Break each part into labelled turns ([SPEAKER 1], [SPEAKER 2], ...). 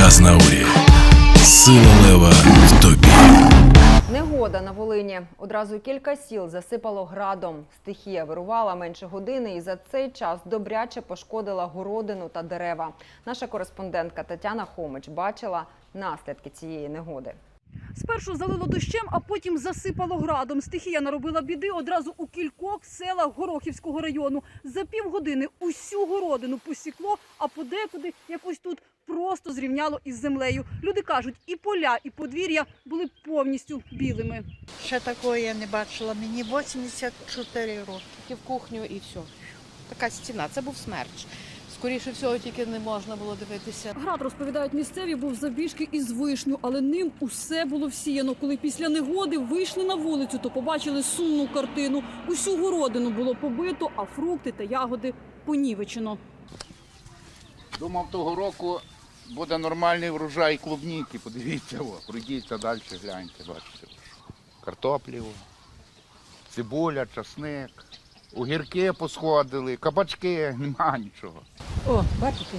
[SPEAKER 1] Азнаурі. Сила лева в тобі.
[SPEAKER 2] Негода на Волині. Одразу кілька сіл засипало градом. Стихія вирувала менше години і за цей час добряче пошкодила городину та дерева. Наша кореспондентка Тетяна Хомич бачила наслідки цієї негоди.
[SPEAKER 3] Спершу залило дощем, а потім засипало градом. Стихія наробила біди одразу у кількох селах Горохівського району. За півгодини усю городину посікло, а подекуди, як ось тут, просто зрівняло із землею. Люди кажуть, і поля, і подвір'я були повністю білими.
[SPEAKER 4] Ще такого я не бачила. Мені 84 роки.
[SPEAKER 5] Тільки в кухню і все. Така стіна, це був смерч. Скоріше всього, тільки не можна було дивитися.
[SPEAKER 3] Град, розповідають місцеві, був завбільшки із вишню, але ним усе було всіяно. Коли після негоди вийшли на вулицю, то побачили сумну картину. Усю городину було побито, а фрукти та ягоди понівечено.
[SPEAKER 6] Думав, того року буде нормальний врожай клубніки. Подивіться, пройдіться далі, гляньте, бачите. Картоплі, цибуля, часник, огірки посходили, кабачки, нема нічого.
[SPEAKER 7] О, бачите?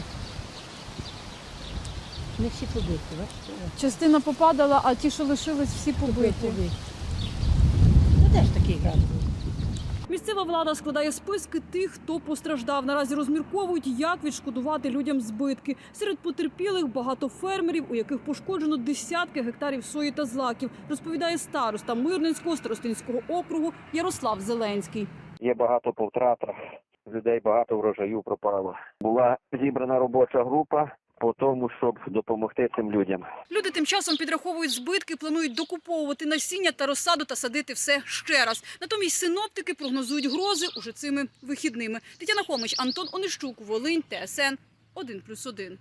[SPEAKER 7] Не всі побиті, бачите?
[SPEAKER 3] Частина попадала, а ті, що лишились, всі побиті.
[SPEAKER 7] Ну де ж такий град був?
[SPEAKER 3] Місцева влада складає списки тих, хто постраждав. Наразі розмірковують, як відшкодувати людям збитки. Серед потерпілих багато фермерів, у яких пошкоджено десятки гектарів сої та злаків, розповідає староста Мирненського старостинського округу Ярослав Зеленський.
[SPEAKER 8] Є багато по втратах, людей багато врожаю пропало. Була зібрана робоча група по тому, щоб допомогти цим людям.
[SPEAKER 3] Люди тим часом підраховують збитки, планують докуповувати насіння та розсаду та садити все ще раз. Натомість синоптики прогнозують грози уже цими вихідними. Тетяна Хомич, Антон Онищук, Волинь, ТСН 1+1.